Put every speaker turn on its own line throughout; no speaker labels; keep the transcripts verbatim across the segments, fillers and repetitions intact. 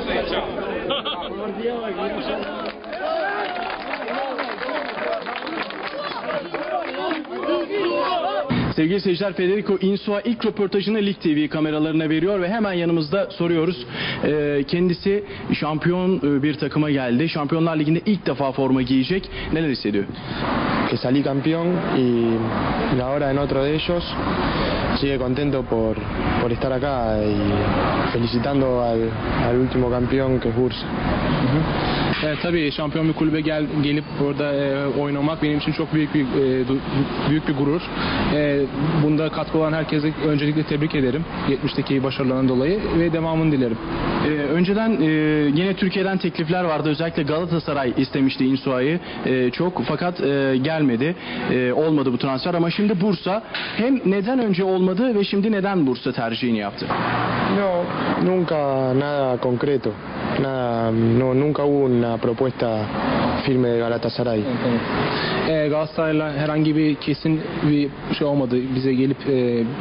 Sevgili seyirciler, Federico Insua ilk röportajını Lig T V kameralarına veriyor ve hemen yanımızda soruyoruz. Ee, kendisi şampiyon bir takıma geldi. Şampiyonlar Ligi'nde ilk defa forma giyecek. Neler hissediyor?
Que salí campeón y ahora en otro de ellos. Sigue contento por, por estar acá y felicitando al, al último campeón que es Bursa.
Evet, tabii şampiyon bir kulübe gel, gelip burada e, oynamak benim için çok büyük bir e, büyük bir gurur. E, bunda katkı olan herkese öncelikle tebrik ederim yetmişteki başarılarından dolayı ve devamını dilerim.
Ee, önceden e, yine Türkiye'den teklifler vardı. Özellikle Galatasaray istemişti Insua'yı e, çok, fakat e, gelmedi. E, olmadı bu transfer ama şimdi Bursa. Hem neden önce olmadı ve şimdi neden Bursa tercihini yaptı?
No, nunca nada concreto. Nada, no, nunca hubo una propuesta firme de Galatasaray.
E, Galatasaray'la herhangi bir kesin bir şey olmadı. Bize gelip e,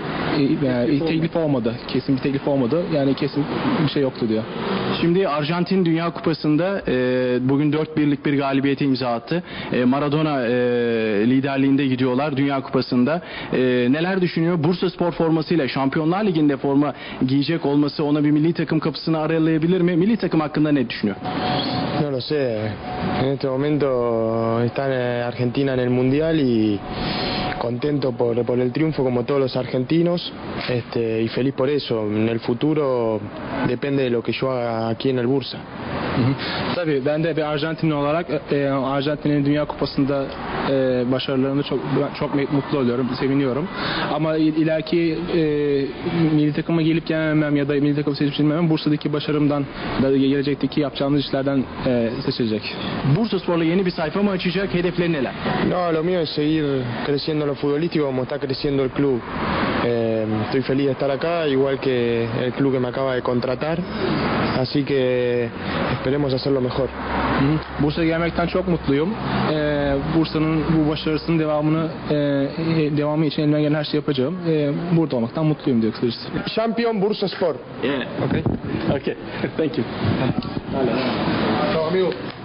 e, teklif olmadı. Kesin bir teklif olmadı. Yani kesin bir şey yoktu diyor.
Şimdi Arjantin Dünya Kupası'nda e, bugün dört birlik bir galibiyete imza attı. E, Maradona e, liderliğinde gidiyorlar Dünya Kupası'nda. E, neler düşünüyor? Bursaspor formasıyla Şampiyonlar Ligi'nde forma giyecek olması ona bir milli takım kapısını aralayabilir mi? Milli takım hakkında ne düşünüyor?
No lo sé. En este momento está en Argentina en el Mundial y contento por, por el triunfo como todos los argentinos, este, y feliz por eso. En el futuro depende de lo que yo haga aquí en el Bursa.
Hı hı. Tabii ben de bir Arjantinli olarak e, Arjantin'in Dünya Kupası'nda e, başarılarını çok çok mutlu oluyorum, seviniyorum. Ama ileriki e, milli takıma gelip gelmemem ya da milli takımı seçilmemem Bursa'daki başarımdan da gelecekteki yapacağımız işlerden e, seçilecek.
Bursaspor'la yeni bir sayfa mı açacak? Hedefleri neler?
No, lo mío es seguir creciendo en lo futbolístico como está creciendo el club. Eh, estoy feliz de estar acá, igual que el club que me acaba de contratar. Así que esperemos hacerlo mejor.
Hı hı. Bursa'ya gelmekten çok mutluyum. Ee, Bursa'nın bu başarısının devamını e, devamı için elimden gelen her şeyi yapacağım. Ee, burada olmaktan mutluyum diyor kısacası.
Champion Bursaspor.
Yeah.
Okay.
Okay. Thank you.
Chao, amigo.